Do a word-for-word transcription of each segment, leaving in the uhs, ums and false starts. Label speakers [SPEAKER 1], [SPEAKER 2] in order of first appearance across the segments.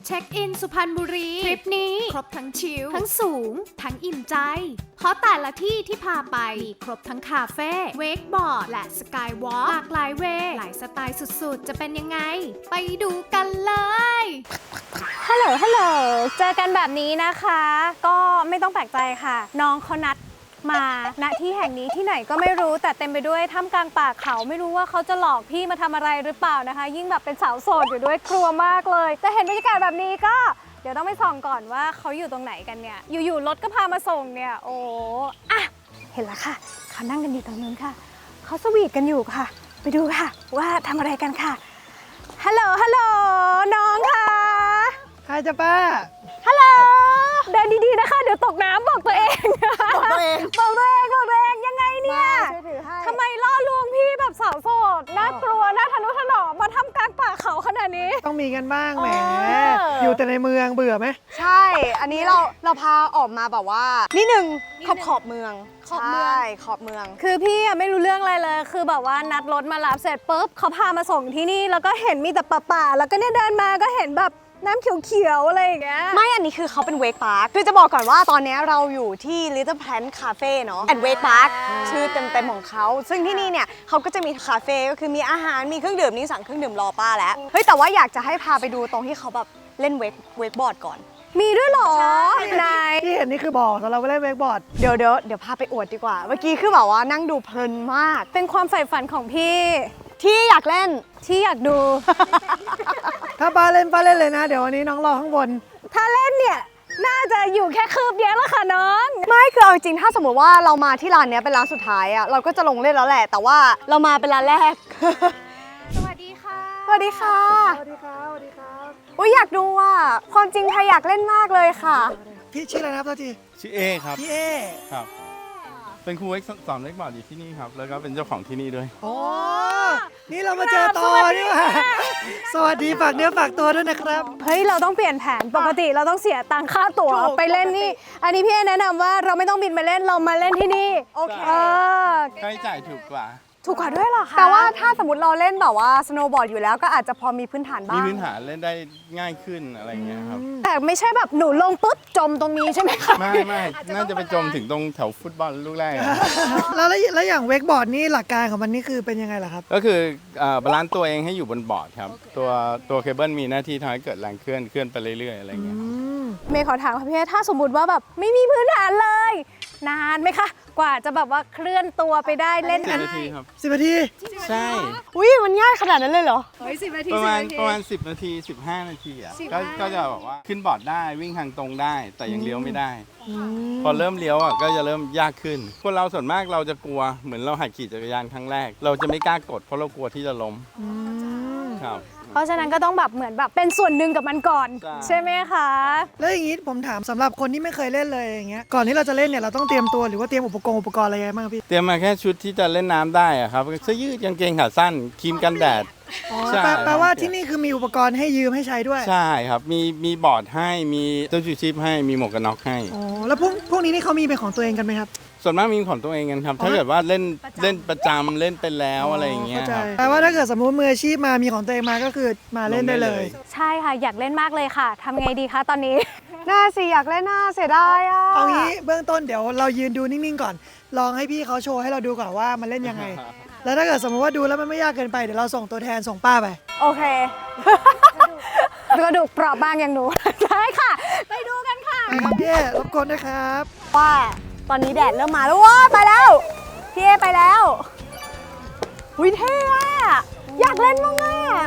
[SPEAKER 1] เช็คอินสุพรรณบุรีทริปนี้ครบทั้งชิลทั้งสูงทั้งอิ่มใจ เพราะแต่ละที่ที่พาไปมีครบทั้งคาเฟ่เวกบอร์ดและสกายวอล์กหลากหลายเวย์หลายสไตล์สุดๆ จะเป็นยังไง ไปดูกันเลย
[SPEAKER 2] ฮัลโหลฮัลโหลเจอกันแบบนี้นะคะ ก็ไม่ต้องแปลกใจค่ะ น้องเขานัดมาณที่แห่งนี้ที่ไหนก็ไม่รู้แต่เต็มไปด้วยท่ามกลางป่าเขาไม่รู้ว่าเขาจะหลอกพี่มาทำอะไรหรือเปล่านะคะ ยิ่งแบบเป็นสาวโสดอยู่ด้วยกลัวมากเลยแต่เห็นบรรยากาศแบบนี้ก็เดี๋ยวต้องไปส่องก่อนว่าเขาอยู่ตรงไหนกันเนี่ยอยู่ๆรถก็พามาส่งเนี่ยโอ้อะเห็นแล้วค่ะเขานั่งกันอยู่ตรงนู้นค่ะเขาสวีทกันอยู่ค่ะไปดูค่ะว่าทำอะไรกันค่ะฮัลโหลฮัลโหลน้องค่ะ
[SPEAKER 3] ใครจะป้า
[SPEAKER 2] ฮัลโหลเดินดีๆนะคะเดี๋ยวตกน้ำบอกตัวเอง
[SPEAKER 3] บอกตัวเอง
[SPEAKER 2] บอกตัวเองบอกตัวเองยังไงเนี่ยทำไมล่อลวงพี่แบบสาวโสดน่ากลัวน่าทะนุถนอมมาทำกลางป่าเขาขนาดนี้
[SPEAKER 3] ต้องมีกันบ้างแหมอยู่แต่ในเมืองเบื่อไหม
[SPEAKER 4] ใช่อันนี้เราเราพาออกมาแบบว่านิดนึงขอบขอบเมือง
[SPEAKER 2] ขอบเมือง
[SPEAKER 4] ใช่ขอบเมือง
[SPEAKER 2] คือพี่อะไม่รู้เรื่องอะไรเลยคือแบบว่านัดรถมารับเสร็จปุ๊บเขาพามาส่งที่นี่แล้วก็เห็นมีแต่ป่าๆแล้วก็เนี่ยเดินมาก็เห็นแบบน้ำเขียวๆอะไรอย่างเงี้ย
[SPEAKER 4] ไม่อันนี้คือเขาเป็นเวกพาร์คคือจะบอกก่อนว่าตอนนี้เราอยู่ที่ Little Plant Cafe เนาะ and Wake Park ชื่อเต็มๆของเขาซึ่งที่นี่เนี่ยเขาก็จะมีคาเฟ่ก็คือมีอาหารมีเครื่องดื่มนี่สั่งเครื่องดื่มรอป้าแล้วเฮ้ยแต่ว่าอยากจะให้พาไปดูตรงที่เขาแบบเล่นเวกเวกบอร์ดก่อน
[SPEAKER 2] มีด้วยเหรอนาย
[SPEAKER 3] ที่เห็นนี่คือบอกสำหรับเล่นเวกบอร์ด
[SPEAKER 4] เดี๋ยวเดี๋ยวเดี๋ยวพาไปอวดดีกว่าเมื่อกี้คือแบบว่านั่งดูเพลินมาก
[SPEAKER 2] เป็นความใฝ่ฝันของพี่
[SPEAKER 4] ที่อยากเล่น
[SPEAKER 2] ที่อยากดู
[SPEAKER 3] ถ้าป้าเล่นป้าเล่นเลยนะเดี๋ยววันนี้น้องรอข้างบน
[SPEAKER 2] ถ้าเล่นเนี่ยน่าจะอยู่แค่คืบเดียวแล้วค่ะน้อง
[SPEAKER 4] ไม่คือเอาจริงถ้าสมมติว่าเรามาที่ร้านนี้เป็นร้านสุดท้ายอะเราก็จะลงเล่นแล้วแหละแต่ว่าเรามาเป็นร้านแรก
[SPEAKER 2] สวัสดีค่ะ
[SPEAKER 4] สวัสดีค่ะ
[SPEAKER 3] สวัสดีครับสวัสดีครับ
[SPEAKER 4] อุ้ยอยากดูอ่ะความจริงไทยอยากเล่นมากเลยค่ะ
[SPEAKER 3] พี่ชื่ออะไรนะครับตัวที
[SPEAKER 5] ชื่อเอครับ
[SPEAKER 3] พี่เอ
[SPEAKER 5] ครับเป็นครูเอ็กซ์สอนเล็กบอร์ดอยู่ที่นี่ครับแล้วก็เป็นเจ้าของที่นี่ด้วย
[SPEAKER 3] โอ้นี่เรามาเจอต่อนี่ว่าสวัสดีฝากเนื้อฝากตัวด้วยนะครับ
[SPEAKER 2] เฮ้ยเราต้องเปลี่ยนแผนปกติเราต้องเสียตังค่าตั๋วไปเล่นนี่อันนี้พี่แนะนำว่าเราไม่ต้องบินไปเล่นเรามาเล่นที่นี่
[SPEAKER 4] โอเค
[SPEAKER 5] ค่าใช้จ่ายถูกกว่า
[SPEAKER 2] ถูกกว่าด้วยเหรอคะ
[SPEAKER 4] แต่ว่าถ้าสมมติเราเล่นแบบว่าสโนว์บอร์ดอยู่แล้วก็อาจจะพอมีพื้นฐานบ้าง
[SPEAKER 5] มีพื้นฐานเล่นได้ง่ายขึ้นอะไรเงี้ยครับ
[SPEAKER 2] แต่ไม่ใช่แบบหนูลงปุ๊บจมตรงนี้ใช่ไหมคะ
[SPEAKER 5] ไม่ไม่น่าจะไปจมถึงตรงแถวฟุตบอลลูกแรก
[SPEAKER 3] แล้วแล้วอย่างเวกบอร์ดนี่หลักการของมันนี่คือเป็นยังไงล่ะครับ
[SPEAKER 5] ก็คือบาลานซ์ตัวเองให้อยู่บนบอร์ดครับตัวตัวเคเบิลมีหน้าที่ทำให้เกิดแรงเคลื่อนเคลื่อนไปเรื่อยๆอะไรเงี้ย
[SPEAKER 2] เมย์ขอถามค่ะพี่ถ้าสมมติว่าแบบไม่มีพื้นฐานเลยนานไหมคะกว่าจะแบบว่าเคลื่อนตัวไปได้เล่น
[SPEAKER 5] สิบนาทีครับ
[SPEAKER 3] สิบนาที
[SPEAKER 5] ใช่
[SPEAKER 4] อุ้ยมันง่ายขนาดนั้นเลยเหรอ
[SPEAKER 2] เฮ้ยสิบนาที
[SPEAKER 5] ประมาณประมาณสิบนาทีสิบห้านาทีอ่ะก็ก็จะแบบว่าขึ้นบอร์ดได้วิ่งทางตรงได้แต่ยังเลี้ยวไม่ได้พอเริ่มเลี้ยวอ่ะก็จะเริ่มยากขึ้นคนเราส่วนมากเราจะกลัวเหมือนเราหัดขี่จักรยานครั้งแรกเราจะไม่กล้ากดเพราะเรากลัวที่จะล้มครับ
[SPEAKER 2] เพราะฉะนั้นก็ต้องแบบเหมือนแบบเป็นส่วนหนึ่งกับมันก่อนใช่ไหมคะ
[SPEAKER 3] แล้วอย่างนี้ผมถามสำหรับคนที่ไม่เคยเล่นเลยอย่างเงี้ยก่อนที่เราจะเล่นเนี่ยเราต้องเตรียมตัวหรือว่าเตรียมอุปกรณ์อุปกรณ์อะไรบ้างพี่
[SPEAKER 5] เตรียมมาแค่ชุดที่จะเล่นน้ำได้อะครับเสื้อยืดกางเกงขาสั้นครีมกันแดด
[SPEAKER 3] แปลว่าที่นี่คือมีอุปกรณ์ให้ยืมให้ใช้ด้วย
[SPEAKER 5] ใช่ครับมีมีบอร์ดให้มีเสื้อชูชีพให้มีหมวกกันน็อกให้
[SPEAKER 3] อ๋อแล้วพวกพวกนี้นี่เขามีเป็นของตัวเองกันไหมครับ
[SPEAKER 5] ส่วนมากมีของตัวเองกันครับถ้าเกิดว่าเล่นเล่นประจำเล่นเป็นแล้วอะไรอย่างเงี้ยครับ
[SPEAKER 3] แต่ว่าถ้าเกิดสมมติมืออาชีพมามีของตัวเองมาก็คือมาเล่นได้เลย
[SPEAKER 2] ใช่ค่ะอยากเล่นมากเลยค่ะทำไงดีคะตอนนี้
[SPEAKER 4] น่าสิอยากเล่นน่าเสียดายอ่ะ
[SPEAKER 3] เอางี้เบื้องต้นเดี๋ยวเรายืนดูนิ่งๆก่อนลองให้พี่เขาโชว์ให้เราดูก่อนว่ามันเล่นยังไงแล้วถ้าเกิดสมมติว่าดูแล้วมันไม่ยากเกินไปเดี๋ยวเราส่งตัวแทนส่งป้าไป
[SPEAKER 2] โอเคกระดูกเปราะบางอย่างหนูใช่ค่ะไปดูกันค่ะ
[SPEAKER 3] ครับพี่รบกวนนะครับ
[SPEAKER 4] ว่าตอนนี้แดดเริ่มมาแล้วว้าไปแล้วพี่เอไปแล้ววิเท่อะอยากเล่นมากอะ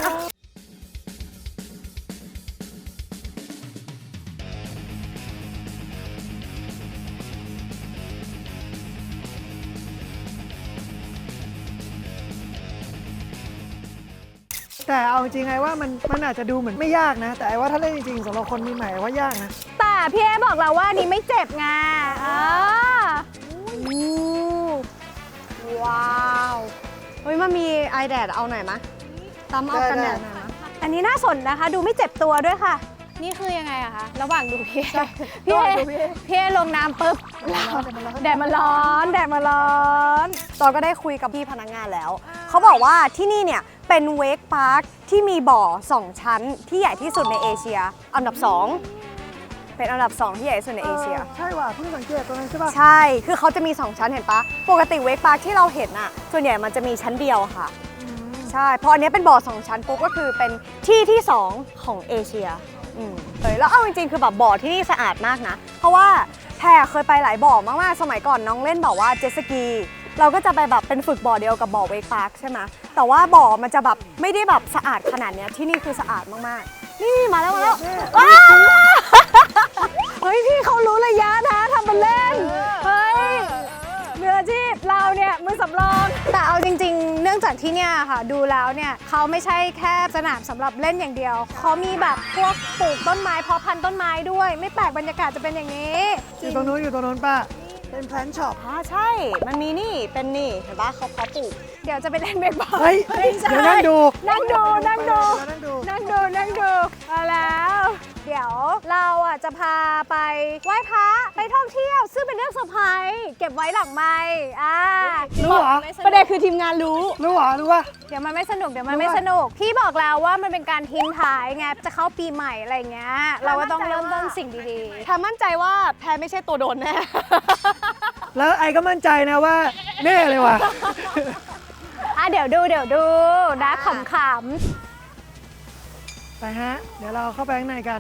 [SPEAKER 3] แต่เอาจริงไงว่ามันมันอาจจะดูเหมือนไม่ยากนะแต่ว่าถ้าเล่นจริงๆสำหรับคนมีใหม่ว่ายากนะ
[SPEAKER 2] แต่พี่เอบอกเราว่านี่ไม่เจ็บไง
[SPEAKER 4] ว้าวเฮ้ยมันมีไอแดดเอาหน่อยมะตามเอากันแดดหน่อยมะ
[SPEAKER 2] อันนี้น่าสนนะคะดูไม่เจ็บตัวด้วยค่ะนี่คือยังไงอะคะระหว่างดูพี่พี่เอพี่เอลงน้ำปุ๊บแดดมันร้อนแดดมันร้อน
[SPEAKER 4] ตอนก็ได้คุยกับพี่พนักงานแล้วเขาบอกว่าที่นี่เนี่ยเป็นเวกพาร์คที่มีบ่อสองชั้นที่ใหญ่ที่สุดในเอเชียอันดับสองเป็นอันดับสองที่ใหญ่ที่สุดในเอเชีย
[SPEAKER 3] ใช่ว่ะเพิ่งสังเกตตัวนั้นใช่ป่ะ
[SPEAKER 4] ใช่ คือเขาจะมีสองชั้นเห็นปะปกติเวกพาร์คที่เราเห็นอะส่วนใหญ่มันจะมีชั้นเดียวค่ะ ใช่เพราะอันนี้เป็นบ่อสองชั้นปุ๊บก็คือเป็นที่ที่สองของเอเชียอืมเลยแล้วเอาจริงๆคือแบบบ่อที่นี่สะอาดมากนะ เพราะว่าแพรเคยไปหลายบ่อมากๆ สมัยก่อนน้องเล่นบอกว่าเจ็ตสกี เราก็จะไปแบบเป็นฝึกบ่อเดียวกับบ่อเวกพาร์คใช่ไหมแต่ว่าบ่อมันจะแบบไม่ได้แบบสะอาดขนาดเนี้ยที่นี่คือสะอาดมากๆ นี่มาแล้วมาแล้วว้าวเฮ้ยพี่เขารู้ระยะนะทำเป็นเล่น เฮ้ยเรืออาชีพเราเนี่ยมือสำรอง
[SPEAKER 2] แต่เอาจริงๆ เนื่องจากที่เนี่ยค่ะ ดูแล้วเนี่ยเขาไม่ใช่แค่สนามสำหรับเล่นอย่างเดียว เขามีแบบพวกปลูกต้นไม้เพาะพันธุ์ต้นไม้ด้วย ไม่แปลกบรรยากาศจะเป็นอย่างนี้
[SPEAKER 3] อยู่ตรงนู้นอยู่ตรงนู้นป้าเป็นแพลนช็อป
[SPEAKER 4] อ่าใช่ มันมีนี่ เป็นนี่ เห็นปะเขาเพาะปลูก
[SPEAKER 2] เดี๋ยวจะไปเล่นเบสบอล
[SPEAKER 3] เฮ้ย
[SPEAKER 2] ไม่ใช่
[SPEAKER 3] เดี๋ยวนั่งดู
[SPEAKER 2] นั่งดูนั่งดู
[SPEAKER 3] นั่งดู
[SPEAKER 2] นั่งดูนั่งดูมาแล้ว เดี๋ยวเราอ่ะจะพาไปไหว้พระไปท่องเที่ยว ซึ่งเป็นเรื่องเซอร์ไพรส์เก็บไว้หลังไมค์อ่า
[SPEAKER 3] รู้เหรอ
[SPEAKER 4] ประเด็นคือทีมงานรู้
[SPEAKER 3] รู้เหรอรู้ป่ะ
[SPEAKER 2] เดี๋ยวมันไม่สนุกเดี๋ยวมันไม่สนุก พี่บอกแล้วว่ามันเป็นการทิ้งท้ายไงจะเข้าปีใหม่อะไรเงี้ยเราก็ต้องเริ่มต้นสิ่งดี
[SPEAKER 4] แพรมั่นใจว่าแพรไม่ใช่ตัวโดนแน่
[SPEAKER 3] แล้วไอ้ก็มั่นใจนะว่าแน่เลยว่ะ
[SPEAKER 2] ๆอ่ะเดี๋ยวดูเดี๋ยวดูนะขำ
[SPEAKER 3] ไปฮะ เดี๋ยวเราเข้าไปข้างในกัน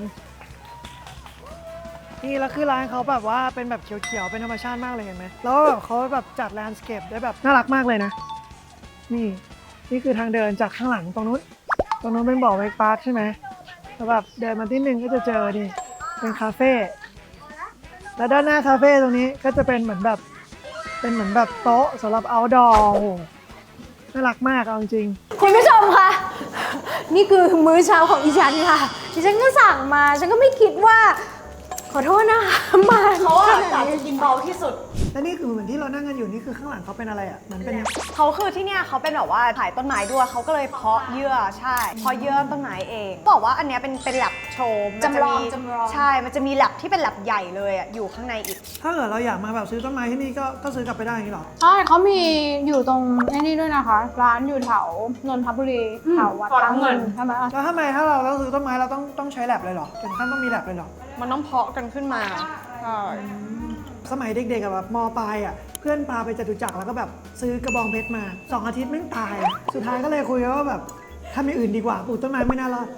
[SPEAKER 3] นี่แล้วคือร้านเขาแบบว่าเป็นแบบเขียวๆ เป็นธรรมชาติมากเลยเห็นไหมแล้วแบบเขาแบบจัดแลนด์สเคปได้แบบน่ารักมากเลยนะ นี่ นี่คือทางเดินจากข้างหลังตรงนู้น ตรงนู้นเป็นบ่อเวกพาร์คใช่ไหมแล้วแบบเดินมาที่หนึ่งก็จะเจอนี่เป็นคาเฟ่ แล้วด้านหน้าคาเฟ่ตรงนี้ก็จะเป็นเหมือนแบบ เป็นเหมือนแบบโต๊ะสำหรับ outdoor โอ้โหน่ารักมากเอาจริง
[SPEAKER 2] คุณผู้ชมคะนี่คือมื้อเช้าของอีฉันค่ะดิฉันก็สั่งมาฉันก็ไม่คิดว่า ขอโทษนะคะมา
[SPEAKER 4] เขาอะกะจะกินเบาที่สุด
[SPEAKER 3] แล้วนี่คือเหมือนที่เรานั่งกันอยู่นี่คือข้างหลังเขาเป็นอะไรอ่ะเหมือนเป็น
[SPEAKER 4] เขาคือที่เนี่ยเขาเป็นแบบว่าถ่ายต้นไม้ด้วยเขาก็เลยเพาะเยื่อใช่เพาะเยื่อต้นไม้เองบอกว่าอันเนี้ยเป็นเป็นแลบโชว์มันจะมีใช่มันจะมีแลบที่เป็นแลบใหญ่เลยอะอยู่ข้างในอีก
[SPEAKER 3] ถ้าเกิดเราอยากมาแบบซื้อต้นไม้ที่นี่ก็ก็ซื้อกลับไปได้อย่างนี้หรอ
[SPEAKER 6] ใช่เขามีอยู่ตรงไอ้นี่ด้วยนะคะ ร้านอยู่แถวนนทบุรีแถววัดพระเงินใช่ไหม
[SPEAKER 3] แล้วทำไมถ้าเราเราซื้อต้นไม้เราต้องต้องใช้แลบเลยเหรอถึงขั้นต้องมีแลบเลยเหรอ
[SPEAKER 4] มันต้องเพาะกันขึ้นมาใช่
[SPEAKER 3] สมัยเด็กๆอะแบบมปลายอะเพื่อนพาไปจตุจักรแล้วก็แบบซื้อกระบองเพชรมาสองอาทิตย์ไม่งตาย สุดท้ายก็เลยคุยกันว่าแบบทำอย่างอื่นดีกว่าปลูกต้นไม้ไม่น่ารอด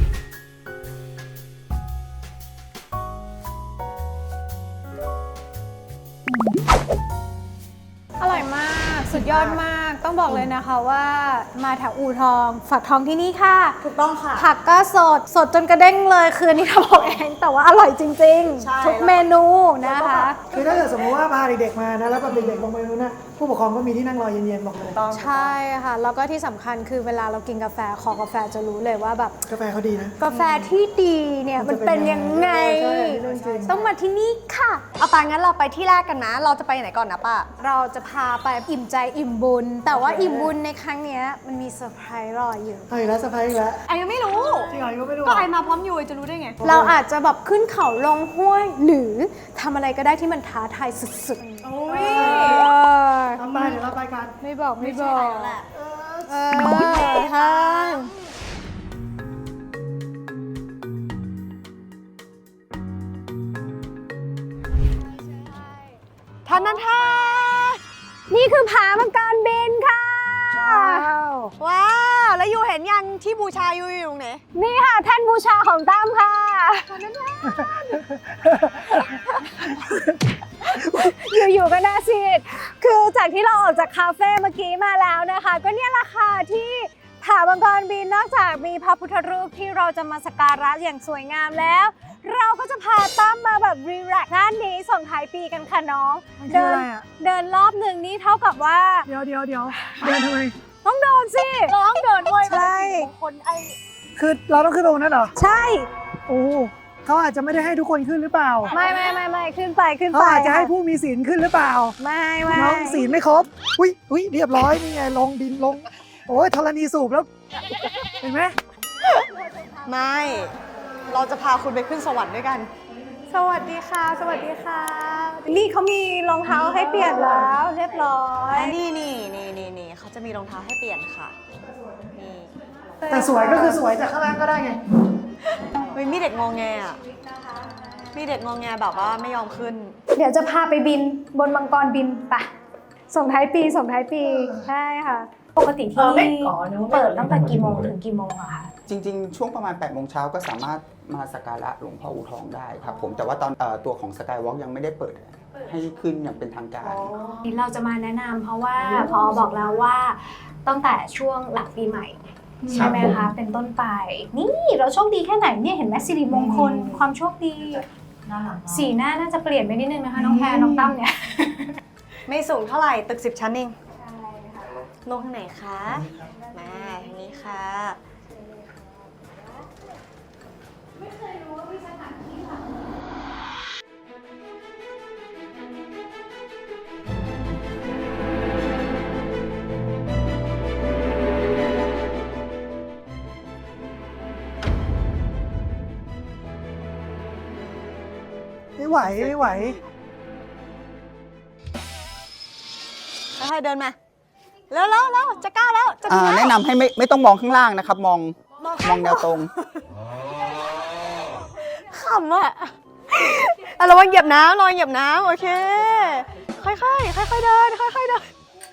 [SPEAKER 2] อร่อยมากสุดยอดมากต้องบอกเลยนะคะว่ามาแถวอู่ทองฝากทองที่นี่ค่ะ
[SPEAKER 4] ถูกต้องค่ะ
[SPEAKER 2] ผักก็สดสดจนกระเด้งเลยคืออันนี้ทำเอาเองแต่ว่าอร่อยจริง
[SPEAKER 4] ใช่
[SPEAKER 2] ๆ ทุกเมนูนะคะ
[SPEAKER 3] คือถ้าเกิดสมมติว่าพาเด็กๆมานะแล้วแบบเด็กๆลงไปนู้นนะผู้ปกครองก็มีที่นั่งรอเย็นๆบอกเลย
[SPEAKER 2] ใช่ค่ะ แล้วก็ที่สำคัญคือเวลาเรากินกาแฟคอกาแฟจะรู้เลยว่าแบบ
[SPEAKER 3] กาแฟเขาดีนะ
[SPEAKER 2] กาแฟที่ดีเนี่ยมันเป็นยังไง
[SPEAKER 3] ใช่เรื่องจริง
[SPEAKER 2] ต้องมาที่นี่ค่ะ
[SPEAKER 4] เอาไปงั้นเราไปที่แรกกันนะ เราจะไปไหนก่อนนะป้า
[SPEAKER 2] เราจะพาไปอิ่มใจอิ่มบุญ แต่ว่าอิ่มบุญในครั้งเนี้ยมันมีเซอร์ไพรส์รออยู่
[SPEAKER 3] เอาอีกแล้วสะพายอีกแล้ว
[SPEAKER 4] ไอ้ยังไม่รู้
[SPEAKER 3] จริงเหรอยังไม่รู้
[SPEAKER 4] ก็ไอมาพร้อมยูจะรู้ได้ไง
[SPEAKER 2] เราอาจจะแบบขึ้นเขาลงห้วย หรือทำอะไรก็ได้ที่มันท้าทายสุดๆ
[SPEAKER 4] โอ้ย
[SPEAKER 2] เออ
[SPEAKER 3] ทำไปเดี๋ยวเราไปกัน
[SPEAKER 2] ไม่บอกไม่บอก
[SPEAKER 4] แหละ
[SPEAKER 2] เออใช่
[SPEAKER 4] ท่านนั้นท่า
[SPEAKER 2] นี่คือผามังกรบินค่ะ
[SPEAKER 4] ว้าว แล้วยูเห็นยังที่บูชายูอยู่ตรงไหน
[SPEAKER 2] นี่ค่ะแท่นบูชาของตั้มค่ะอยู่ๆก็น่าซีดคือจากที่เราออกจากคาเฟ่เมื่อกี้มาแล้วนะคะ ก็เนี่ยแหละค่ะที่ผามังกรบินนอกจากมีพระพุทธรูปที่เราจะมาสักการะอย่างสวยงามแล้ว เราก็จะพาตั้มมาแบบรีแลกซ์ด้านนี้ส่งท้ายปีกันค่ะน้อง
[SPEAKER 3] มันคืออะไรอะ
[SPEAKER 2] เดินรอบหนึ่งนี่เท่ากับว่า
[SPEAKER 3] เดี๋ยวเดี๋ยวเดี๋ยวเดินทำไม
[SPEAKER 2] ต้องเดินสิเราต้องเดินด้วย
[SPEAKER 4] ใช่
[SPEAKER 2] คนไอ
[SPEAKER 3] คือเราต้องขึ้นตรงนั้นเหรอ
[SPEAKER 2] ใช่
[SPEAKER 3] โอ้เขาอาจจะไม่ได้ให้ทุกคนขึ้นหรือเปล่า
[SPEAKER 2] ไม่ไม่ไม่ไม่ขึ้นไปขึ้น
[SPEAKER 3] เขา
[SPEAKER 2] ไป
[SPEAKER 3] อาจจะให้ผู้มีศีลขึ้นหรือเปล่า
[SPEAKER 2] ไม่ไม่
[SPEAKER 3] น้องศีลไม่ครบ อุ้ยอุ้ยเรียบร้อยนี่ไงลงดินลง โอ้ยธรณีสูบแล้ว เห็นไหม
[SPEAKER 4] ไม่ เราจะพาคุณไปขึ้นสวรรค์ด้วยกัน
[SPEAKER 2] สวัสดีค่ะ สวัสดีค่ะ นี่เขามีรองเท้าให้เปลี่ยนแล้วเรียบร้อย
[SPEAKER 4] นี่นี่นี่นี่นี่เขาเขาจะมีรองเท้าให้เปลี่ยนค่ะนี่
[SPEAKER 3] แต่สวยก็คือสวยจากข้างล่างก็ได้ไง
[SPEAKER 4] เฮ้ยมีเด็กงอแงอ่ะมีเด็กงอแงแบบว่าไม่ยอมขึ้น
[SPEAKER 2] เดี๋ยวจะพาไปบินบนมังกรบินไปส่งท้ายปีส่งท้ายปีใช่ค่ะ ปกติที่เปิดตั้งแต่กี่โมงถึงกี่โมงอะคะ
[SPEAKER 7] จริงๆ ช่วงประมาณแปดโมงเช้าก็สามารถมาสักการะหลวงพ่ออู่ทองได้ครับผมแต่ว่าตอนเอ่อตัวของสกายวอล์กยังไม่ได้เปิดให้ขึ้นอย่างเป็นทางการ
[SPEAKER 2] เราจะมาแนะนำเพราะว่าพอบอกแล้วว่าตั้งแต่ช่วงหลังปีใหม่ใช่ไหมคะเป็นต้นไปนี่เราโชคดีแค่ไหนเนี่ยเห็นไหมสิริมงคลความโชคดีสีหน้าน่าจะเปลี่ยนไปนิดนึงนะคะน้องแพรน้องตั้มเนี่ย
[SPEAKER 4] ไม่สูงเท่าไหร่ตึกสิบชั้นเองลงทางไหนคะ มาทางนี้ค่ะ
[SPEAKER 3] ไม่ไหวไม่ไหว
[SPEAKER 4] ค่อยๆเดินมา แล้วแล้วแล้วจะก้าวแล้ว จะ
[SPEAKER 7] อ่า
[SPEAKER 4] ถึงแล้ว
[SPEAKER 7] แนะนำให้ไม่ไม่ต้องมองข้างล่างนะครับ มองมองแนวตรง
[SPEAKER 4] ขำอ่ะอ่ะระวังเหยียบน้ำระวังเหยียบน้ำโอเค ค่อยๆ ค่อยๆ เดิน ค่อยๆ เดิน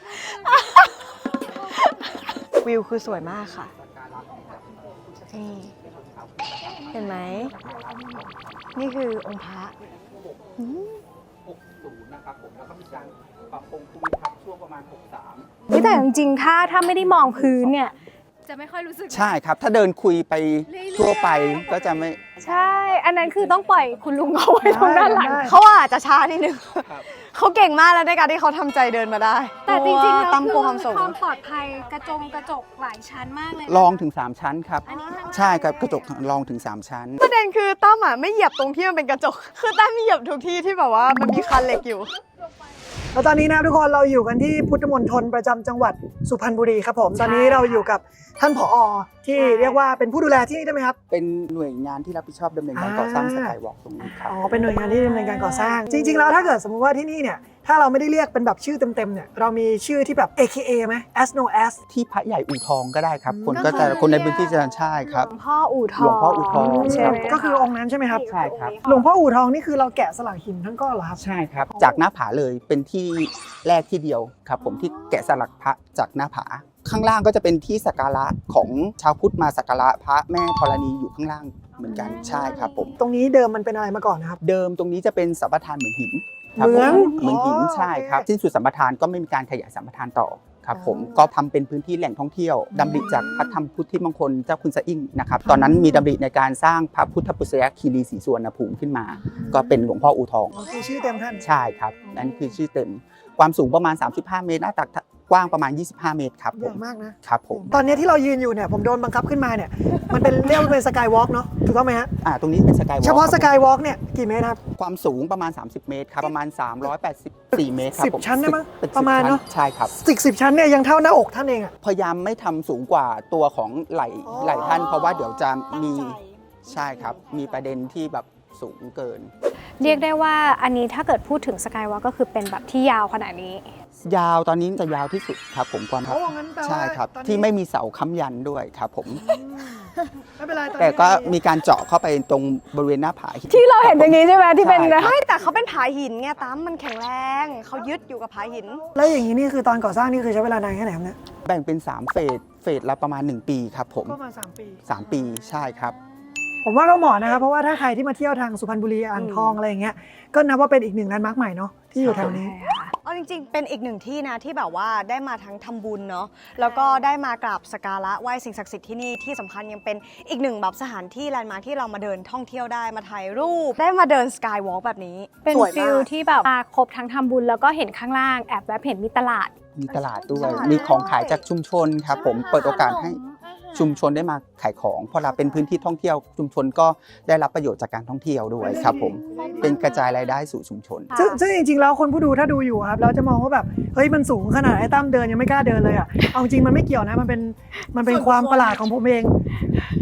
[SPEAKER 4] วิวคือสวยมากค่ะ นี่ เห็นไหม นี่คือองค์พระอืม
[SPEAKER 7] หกสิบนะครับผมแล้วก็มีการปรับปรุงภูมิทัศน์ช่วงประมาณหกสิบสาม
[SPEAKER 2] แต่จริงๆถ้าถ้าไม่ได้มองพื้นเนี่ยจะไม่ค่อยรู้สึก
[SPEAKER 7] ใช่ครับ ถ้าเดินคุยไปทั่วไปก็จะไม่
[SPEAKER 2] ใช่ อันนั้นคือต้องปล่อยคุณลุงเอาไว้ตรงด้านหลัง
[SPEAKER 3] ได้
[SPEAKER 4] เขาอาจจะช้านิดนึง เขาเก่งมากแล้วในการที่เขาทำใจเดินมาได้
[SPEAKER 2] แต่จริงๆแล้ว
[SPEAKER 4] ตั้ม
[SPEAKER 2] คื
[SPEAKER 4] กลัวความสูง
[SPEAKER 2] ความปลอดภัยกระจงกระจกหลายชั้นมากเลย
[SPEAKER 7] ลองถึงสามชั้นครับ
[SPEAKER 2] อันนี้ข้างล่าง
[SPEAKER 7] ใช่ครับกระจกลองถึงสามชั้น
[SPEAKER 4] ประเด็นคือตั้มอ่ะไม่เหยียบตรงที่มันเป็นกระจก คือตั้มเหยียบทุกที่ที่แบบว่ามันมีคันเหล็กอยู่
[SPEAKER 3] แล้วตอนนี้นะครับทุกคนเราอยู่กันที่พุทธมณฑลประจำจังหวัดสุพรรณบุรีครับผมตอนนี้เราอยู่กับท่านผอที่เรียกว่าเป็นผู้ดูแลที่นี่ได้ไหมครับ
[SPEAKER 7] เป็นหน่วยงานที่รับผิดชอบดำเนินการก่อสร้างสกายวอล์กตรงนี้ครับ
[SPEAKER 3] อ๋อเป็นหน่วยงานที่ดำเนินการก่อสร้าง จริง ๆ แล้วถ้าเกิดสมมุติว่าที่นี่เนี่ยถ้าเราไม่ได้เรียกเป็นแบบชื่อเต็มๆเนี่ยเรามีชื่อที่แบบ เอ เค เอ ไหม as no as
[SPEAKER 7] ที่พระใหญ่อู่ทองก็ได้ครับ คน
[SPEAKER 3] อืม
[SPEAKER 7] ก็จะคนในพื้นที่จะใช่ครับ
[SPEAKER 2] หลวงพ่ออู่ทอง
[SPEAKER 7] หลวงพ่ออู่ทอง
[SPEAKER 2] ใช่ไหม
[SPEAKER 3] ก็คือองค์นั้นใช่ไหมครับ
[SPEAKER 7] ใช่ครับ
[SPEAKER 3] หลวงพ่ออู่ทองนี่คือเราแกะสลักหินทั้งก้อนเหรอครับ
[SPEAKER 7] ใช่ครับ จากหน้าผาเลยเป็นที่แรกที่เดียวครับผมที่แกะสลักพระจากหน้าผา ข้างล่างก็จะเป็นที่สักการะของชาวพุทธมาสักการะพระแม่ธรณีอยู่ข้างล่างเหมือนกันใช่ครับผม
[SPEAKER 3] ตรงนี้เดิมมันเป็นอะไรมาก่อนนะครับ
[SPEAKER 7] เดิมตรงนี้จะเป็นสัมปทานเหมือนหินครับ
[SPEAKER 3] เหมือน
[SPEAKER 7] ผเหมือนหิน
[SPEAKER 3] อ๋อ
[SPEAKER 7] ใช่ครับ
[SPEAKER 3] โอเค
[SPEAKER 7] สิ้นสุดสัมปทานก็ไม่มีการขยายสัมปทานต่อครับผม
[SPEAKER 3] อ๋อ
[SPEAKER 7] ก็ทำเป็นพื้นที่แหล่งท่องเที่ยวดำริจากพระธรรมพุทธิมงคลเจ้าคุณสะอิ่งนะครับตอนนั้นมีดำริในการสร้างพระพุทธปุษยคีรีศรีสุวรรณภูมิขึ้นมา ก็เป็นหลวงพ่ออู่ทอง
[SPEAKER 3] อ๋อคือชื่อเต็มท่าน
[SPEAKER 7] ใช่ครับนั่นคือชื่อเต็มความสูงประมาณสามสิบห้าเมตรหน้าตักกว้างประมาณยี่สิบห้าเมตรครับ
[SPEAKER 3] ให
[SPEAKER 7] ผ
[SPEAKER 3] ญ่
[SPEAKER 7] ม
[SPEAKER 3] มากนะ
[SPEAKER 7] ครับผม
[SPEAKER 3] ตอนนี้ที่เรายืนอยู่เนี่ยผมโดนบังคับขึ้นมาเนี่ยมันเป็นเรียกว่าเป็นสกายวอล์กเนาะถูกต้องไหมฮะ
[SPEAKER 7] อ่าตรงนี้เป็นสกายวอล์ก
[SPEAKER 3] เฉพาะสกายวอล์กเนี่ยกี่เมตรครับ
[SPEAKER 7] ความสูงประมาณสามสิบเมตรครับประมาณสามร้อยแปดสิบสี่เมตรครับ
[SPEAKER 3] สิบ
[SPEAKER 7] ผม
[SPEAKER 3] ชั้นได้มั้ย
[SPEAKER 7] ตึก
[SPEAKER 3] ประมาณ
[SPEAKER 7] สิบชั้
[SPEAKER 3] เนอะ
[SPEAKER 7] ใช่ครับ
[SPEAKER 3] สิบสิบชั้นเนี่ยยังเท่าหน้าอกท่านเองอะ
[SPEAKER 7] พยายามไม่ทำสูงกว่าตัวของไหล่
[SPEAKER 3] อ๋อ
[SPEAKER 7] ไหล่ท่าน เพราะว่าเดี๋ยวจะมีใช่ครับ มีประเด็นที่แบบสูงเกิน
[SPEAKER 2] เรียกได้ว่าอันนี้ถ้าเกิดพูดถึงสกายวอล์กก็คือเป็นแบบที่ยาวขนาดนี้
[SPEAKER 7] ยาวตอนนี้จะยาวที่สุดครับผมความครับ
[SPEAKER 3] โอ้งั้นแปลว่า
[SPEAKER 7] ใช่ครับ
[SPEAKER 3] ตอนนี้
[SPEAKER 7] ที่ไม่มีเสาค้ำยันด้วยครับผม
[SPEAKER 3] อืมไม่เป็นไรตอนนี้
[SPEAKER 7] แต่ก็มีการเจาะเข้าไปตรงบริเวณหน้าผา
[SPEAKER 2] ที่เราเห็นอย่างนี้ใช่ไหมที่เป็น
[SPEAKER 7] ใช่ครับ
[SPEAKER 4] ไม่แต่เขาเป็นผาหินไงตั้มมันแข็งแรง เขายึดอยู่กับผาหิน
[SPEAKER 3] แล้วอย่างนี้นี่คือตอนก่อสร้างนี่คือใช้เวลานานแค่ไหนครับเนี่ย
[SPEAKER 7] แบ่งเป็นสามเฟสเฟสละประมาณหนึ่งปีครับผม
[SPEAKER 3] ประมาณสามปี
[SPEAKER 7] สามปีใช่ครับ
[SPEAKER 3] ผมว่าก็เหมาะนะครับเพราะว่าถ้าใครที่มาเที่ยวทางสุพรรณบุรีอ่างทองอะไรอย่างเงี้ยก็นับว่าเป็นอีกหนึ่งแลนด์มาร์คใหม่เนาะที่อยู่แถวนี้
[SPEAKER 4] เอาจริงๆ เป็นอีกหนึ่งที่นะที่แบบว่าได้มาทั้งทำบุญเนาะ แล้วก็ได้มากราบสักการะไหว้สิ่งศักดิ์สิทธิ์ที่นี่ที่สำคัญยังเป็นอีกหนึ่งแบบสถานที่แลนด์มาร์คที่เรามาเดินท่องเที่ยวได้มาถ่ายรูป ได้มาเดินสกายวอล์กแบบนี้
[SPEAKER 2] เป็น
[SPEAKER 4] สวย
[SPEAKER 2] ฟิ
[SPEAKER 4] มา
[SPEAKER 2] ล
[SPEAKER 4] ก
[SPEAKER 2] ที่แบบมาครบทั้งทำบุญแล้วก็เห็นข้างล่างแอบแวบเห็นมีตลาด
[SPEAKER 7] มีตลาดด้วย
[SPEAKER 4] ตลาด
[SPEAKER 7] มีของขาย
[SPEAKER 4] ด้วย
[SPEAKER 7] จากชุมชนครับผม เปิดโอกาสให้ชุมชนได้มาขายของ เพราะเราเป็นพื้นที่ท่องเที่ยว ชุมชนก็ได้รับประโยชน์จากการท่องเที่ยวด้วยครับผม เป็นกระจายรายได้สู่ชุมชน
[SPEAKER 3] ซึ่งซึ่งจริงๆแล้วคนผู้ดูถ้าดูอยู่ครับเราจะมองว่าแบบเฮ้ยมันสูงขนาดไอ้ตั้มเดินยังไม่กล้าเดินเลยอ่ะเอาจริงมันไม่เกี่ยวนะมันเป็นมันเป็นความประหลาดของผมเอง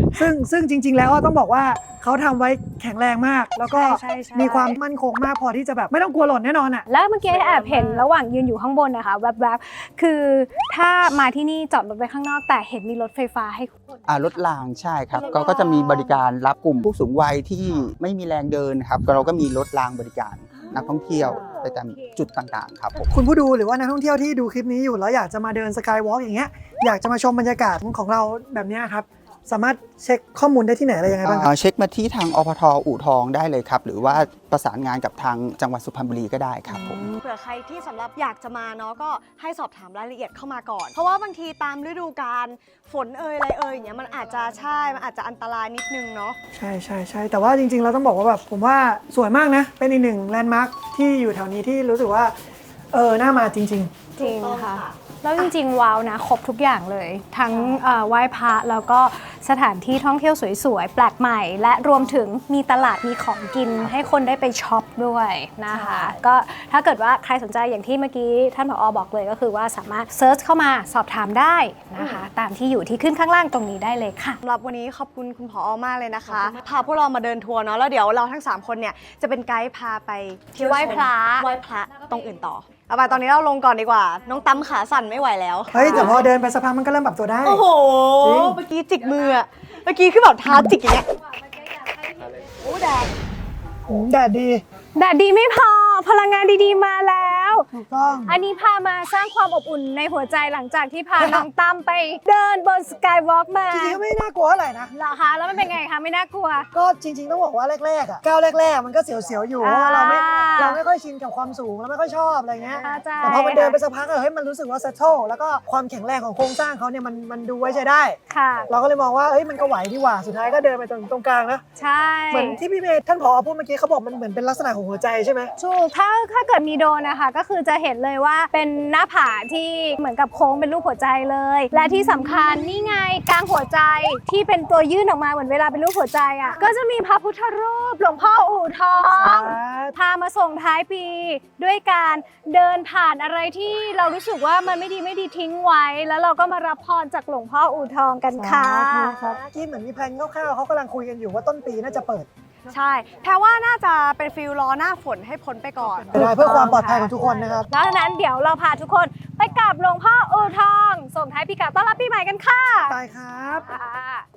[SPEAKER 3] ซึ่งซึ่งจริง ๆ แล้วต้องบอกว่าเขาทำไว้แข็งแรงมาก แล้วก็
[SPEAKER 2] ใช่ใช่
[SPEAKER 3] มีความมั่นคงมากพอที่จะแบบไม่ต้องกลัวหล่นแน่นอนอ่ะ
[SPEAKER 2] แล้วเมื่อกี้แอบเห็นระหว่างยืนอยู่ข้างบนนะคะแวบๆคือถ้ามาที่นี่จอดรถไว้ข้างนอกแต่เห็นมีรถไฟฟ้าให้
[SPEAKER 7] อ่ารถรางใช่ครับก็ก็จะมีบริการรับกลุ่มผู้สูงวัยที่ไม่มีแรงเดินครับเราก็มีรถรางบริการนักท่องเที่ยวไปตามจุดต่างๆครับผม
[SPEAKER 3] คุณผู้ดูหรือว่านักท่องเที่ยวที่ดูคลิปนี้อยู่แล้วอยากจะมาเดินสกายวอล์กอย่างเงี้ยอยากจะมาชมบรรยากาศของเราแบบเนี้ยครับสามารถเช็คข้อมูลได้ที่ไหนอะไรยังไงบ้างครับ
[SPEAKER 7] เอ่อเช็คมาที่ทางอปทอู่ทองได้เลยครับหรือว่าประสานงานกับทางจังหวัดสุพรรณบุรีก็ได้ครับผม
[SPEAKER 4] เผื่อใครที่สำหรับอยากจะมาเนาะก็ให้สอบถามรายละเอียดเข้ามาก่อน เพราะว่าบางทีตามฤดูกาลฝนเอ่ยอะไรเอ่ยอย่างเงี้ยมันอาจจะใช่มันอาจจะอันตรายนิดนึงเนาะ
[SPEAKER 3] ใช่ใช่ใช่แต่ว่าจริงๆเราต้องบอกว่าแบบผมว่าสวยมากนะ เป็นอีกหนึ่งแลนด์มาร์คที่อยู่แถวนี้ที่รู้สึกว่าเออน่ามาจริง
[SPEAKER 2] จริงค่ะ แล้วจริงๆว้าวนะครบทุกอย่างเลย ทั้งเอ่อไหว้พระแล้วก็สถานที่ท่องเที่ยวสวยๆ แปลกใหม่ และรวมถึงมีตลาดมีของกินให้คนได้ไปช็อปด้วยนะคะ ก็ถ้าเกิดว่าใครสนใจอย่างที่เมื่อกี้ท่านผอบอกเลยก็คือว่าสามารถเซิร์ชเข้ามาสอบถามได้นะคะ ตามที่อยู่ที่ขึ้นข้างล่างตรงนี้ได้เลยค่ะ
[SPEAKER 4] สำหรับวันนี้ขอบคุณคุณผอมากเลยนะคะ พาพวกเรามาเดินทัวร์เนาะแล้วเดี๋ยวเราทั้งสามคนเนี่ยจะเป็นไกด์พาไปเที่ยว
[SPEAKER 2] ไหว้พระ
[SPEAKER 4] ไหว้พระตรงอื่นต่อเอาไปตอนนี้เราลงก่อนดีกว่า น้องตั้มขาสั่นไม่ไหวแล้ว
[SPEAKER 3] ๆ เฮ้ยแต่พอเดินไปสักพักมันก็เริ่มปรับตัวได้
[SPEAKER 4] โอ้โห
[SPEAKER 3] จริง
[SPEAKER 4] เมื่อกี้จิกมืออะเมื่อกี้คือแบบเท้าจิกอย่างเงี้ยโอ้แดด
[SPEAKER 3] อืมแดดดี
[SPEAKER 2] แดดดีไม่พอพลังงานดีๆมาแล้ว
[SPEAKER 3] ถูกต้อง
[SPEAKER 2] อันนี้พามาสร้างความอบอุ่นในหัวใจหลังจากที่พา น้องตั้มไปเดินบนสกายวอล์กมา
[SPEAKER 3] จริงๆก็ไม่น่ากลัวเท่าไหร่นะ
[SPEAKER 2] เหรอคะแล้วมันเป็นไงคะไม่น่ากลัว
[SPEAKER 3] ก็จริงๆต้องบอกว่าแรกๆอ่ะก้าวแรกๆมันก็เสียวๆอยู่เพ
[SPEAKER 2] อ่า
[SPEAKER 3] ราะว่าเราไม่เราไม่ค่อยชินกับความสูงเราไม่ค่อยชอบอะไรเงี้ย
[SPEAKER 2] เข้าใจ
[SPEAKER 3] แต่พอมันเดินไปสักพักอะเฮ้ยมันรู้สึกว่า settle แล้วก็ความแข็งแรงของโครงสร้างเขาเนี่ยมันมันดูไว้ใช้ได้
[SPEAKER 2] ค่ะ
[SPEAKER 3] เราก็เลยมองว่าเฮ้ยมันก็ไหวดีกว่าสุดท้ายก็เดินไปตรงตรงกลางนะ
[SPEAKER 2] ใช่
[SPEAKER 3] เหมือนที่พี่เมย์ท่านผอพูดเมื่อกี้เขาบอกมันเหมือนเป็นลักษณะของหัวใจใช่ไหม
[SPEAKER 2] ถูกถ้าถ้าเกิดมีโดรนนะคะ ก็คือจะเห็นเลยว่าเป็นหน้าผาที่เหมือนกับโค้งเป็นรูปหัวใจเลย และที่สำคัญนี่ไงกลางหัวใจที่เป็นตัวยื่นออกมาเหมือนเวลาเป็นรูปหัวใจอ่ะก็จะมีพระพุทธรูปหลวงพ่ออู่ทอง พามาส่งท้ายปีด้วยการเดินผ่านอะไรที่เรารู้สึกว่ามันไม่ดีไม่ดีทิ้งไว้ แล้วเราก็มารับพรจากหลวงพ่ออู่ทองกันค่ะ
[SPEAKER 3] ครับที่เหมือนมีแพลนคร่าวๆเขากำลังคุยกันอยู่ว่าต้นปีน่าจะเปิด
[SPEAKER 4] ใช่แพรว่าน่าจะเป็นฟิลรอหน้าฝนให้พ้นไปก่อน
[SPEAKER 3] ได้เพื่อความปลอดภัยของทุกคนนะครับ
[SPEAKER 2] ดังนั้นเดี๋ยวเราพาทุกคนไปกราบหลวงพ่ออู่ทอง ส่งท้ายปีเก่าต้อนรับปีใหม่กันค่ะ
[SPEAKER 3] ตายครับ
[SPEAKER 2] ค่ะ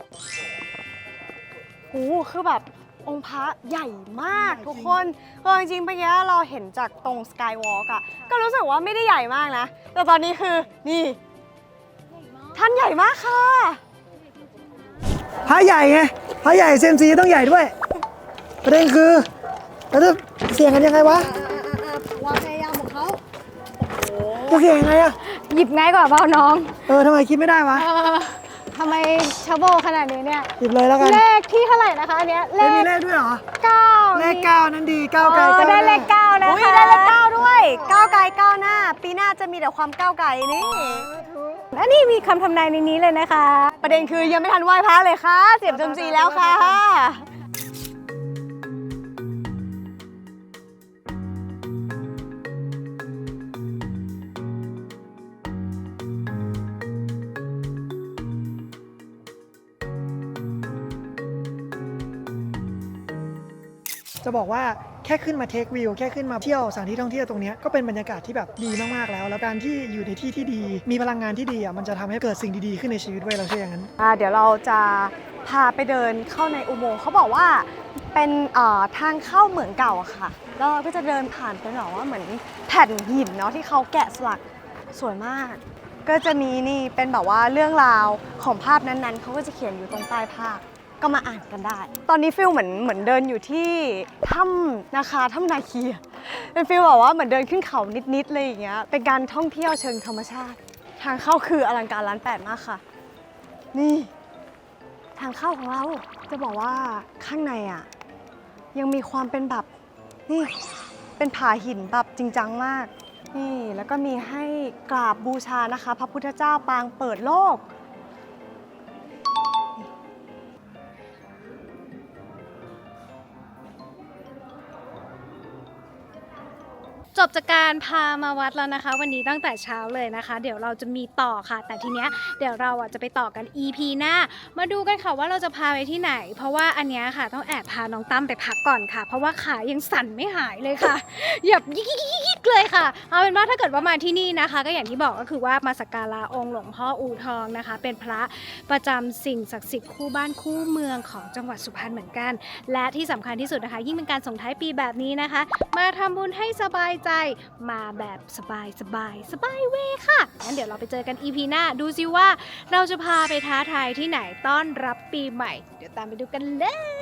[SPEAKER 4] โอ้โหคือแบบองค์พระใหญ่มากทุกคนเออจริงๆเมื่อกี้เราเห็นจากตรงสกายวอล์กอะก็รู้สึกว่าไม่ได้ใหญ่มากนะ แต่ตอนนี้คือนี่ ท่านใหญ่มากค่ะ
[SPEAKER 3] พระใหญ่ไงพระใหญ่เซยมซีต้องใหญ่ด้วยประเด็นคือเราจะเสี่ยงกันยังไงวะ
[SPEAKER 4] ความพยายามของเขา
[SPEAKER 3] จะเสี่ยงยังไงอะ
[SPEAKER 2] หยิบง่ายกว่าเปล่าน้อง
[SPEAKER 3] เออทำไมคิดไม่ได้วะ
[SPEAKER 2] เออทำไมชาโบขนาดนี้เนี่ย
[SPEAKER 3] หยิบเลยแล้วกัน
[SPEAKER 2] เลขที่เท่าไหร่นะคะอันเนี้ยเล
[SPEAKER 3] ไม่มี
[SPEAKER 2] ข
[SPEAKER 3] เลขด้วยเหรอ
[SPEAKER 2] เก้า
[SPEAKER 3] เลขเก้านั้นดีเก้าไกล
[SPEAKER 2] ก็
[SPEAKER 3] เก้า
[SPEAKER 2] ได้เลขเก้านะ
[SPEAKER 4] อุ้ย
[SPEAKER 2] คะ
[SPEAKER 4] ได้เลขเก้าด้วยก้าวไกลก้าวหน้า ปีหน้าจะมีแต่ความก้าวไกลนี่
[SPEAKER 2] อันนี้มีคำทำนายในนี้เลยนะคะ
[SPEAKER 4] ประเด็นคือยังไม่ทันไหว้พระเลยค่ะ เสียบจมซีแล้วค่ะ
[SPEAKER 3] จะบอกว่าแค่ขึ้นมาเทควิวแค่ขึ้นมาเที่ยวสถานที่ท่องเที่ยวตรงเนี้ยก็เป็นบรรยากาศที่แบบดีมากๆแล้ว แล้วการที่อยู่ในที่ที่ดี มีพลังงานที่ดีอ่ะมันจะทำให้เกิดสิ่งดีๆขึ้นในชีวิตไว้ยเราเชื่ออย่างนั้น
[SPEAKER 4] อ่าเดี๋ยวเราจะพาไปเดินเข้าในอุโมงค์เขาบอกว่าเป็นเอ่อทางเข้าเหมืองเก่าอะค่ะแล้วเราก็จะเดินผ่านเป็นแบบว่าเหมือนแผ่นหินเนาะที่เขาแกะสลักสวยมาก ก็จะมีนี่เป็นแบบว่าเรื่องราวของภาพนั้นๆเขาก็จะเขียนอยู่ตรงใต้ภาพก็มาอ่านกันได้ ตอนนี้ฟิลเหมือนเหมือนเดินอยู่ที่ถ้ำนาคาถ้ำนาคีอะเป็นฟิลแบบว่าเหมือนเดินขึ้นเขานิดๆเลยอย่างเงี้ยเป็นการท่องเที่ยวเชิงธรรมชาติ ทางเข้าคืออลังการล้านแปดมากค่ะ นี่ ทางเข้าของเราจะบอกว่าข้างในอ่ะยังมีความเป็นแบบนี่เป็นผาหินแบบจริงจังมากนี่แล้วก็มีให้กราบบูชานะคะ พระพุทธเจ้าปางเปิดโลก
[SPEAKER 2] จบจากการพามาวัดแล้วนะคะ วันนี้ตั้งแต่เช้าเลยนะคะ เดี๋ยวเราจะมีต่อค่ะ แต่ทีเนี้ยเดี๋ยวเราอ่ะจะไปต่อกัน อี พี หน้ามาดูกันค่ะว่าเราจะพาไปที่ไหน เพราะว่าอันเนี้ยค่ะต้องแอบพาน้องตั้มไปพักก่อนค่ะ เพราะว่าขายังสั่นไม่หายเลยค่ะแบบยิกๆๆเลยค่ะเอาเป็นว่าถ้าเกิดว่ามาที่นี่นะคะ ก็อย่างที่บอกก็คือว่ามาสักการะองค์หลวงพ่ออู่ทองนะคะ เป็นพระประจำสิ่งศักดิ์สิทธิ์คู่บ้านคู่เมืองของจังหวัดสุพรรณเหมือนกัน และที่สำคัญที่สุดนะคะ ยิ่งเป็นการส่งท้ายปีแบบนี้นะคะ มาทำบุญให้สบายใจมาแบบสบายสบายสบายเวค่ะงั้นเดี๋ยวเราไปเจอกัน อี พี หน้าดูซิว่าเราจะพาไปท้าทายที่ไหนต้อนรับปีใหม่ เดี๋ยวตามไปดูกันเลย